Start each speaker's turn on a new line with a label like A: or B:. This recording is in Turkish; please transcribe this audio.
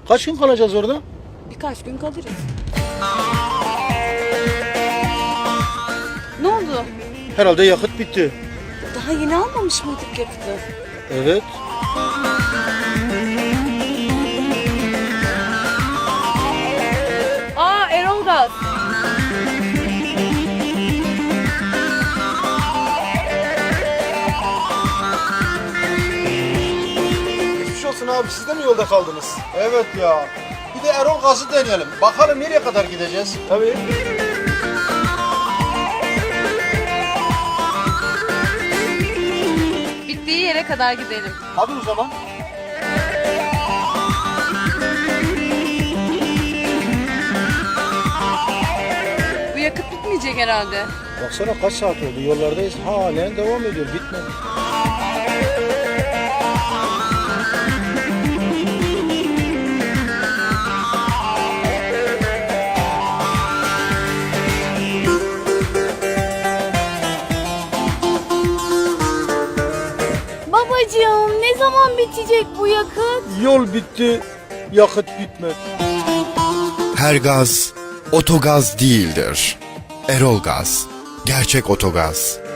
A: Kaç gün kalacağız orada?
B: Birkaç gün kalırız. Ne oldu?
A: Herhalde yakıt bitti.
B: Daha yeni almamış mıydık yakıtı?
A: Evet.
B: Aa, Erol Gaz.
A: Geçmiş olsun abi, siz de mi yolda kaldınız? Evet ya. Bir de Erol Gaz'ı deneyelim. Bakalım nereye kadar gideceğiz? Tabii.
B: Bittiği yere kadar gidelim.
A: Hadi o zaman.
B: Bu yakıt bitmeyecek herhalde.
A: Baksana kaç saat oldu, yollardayız. Halen devam ediyor, bitmedi.
B: Babacığım, ne zaman bitecek bu yakıt?
A: Yol bitti, yakıt bitmedi.
C: Her gaz otogaz değildir. Erol Gaz, gerçek otogaz.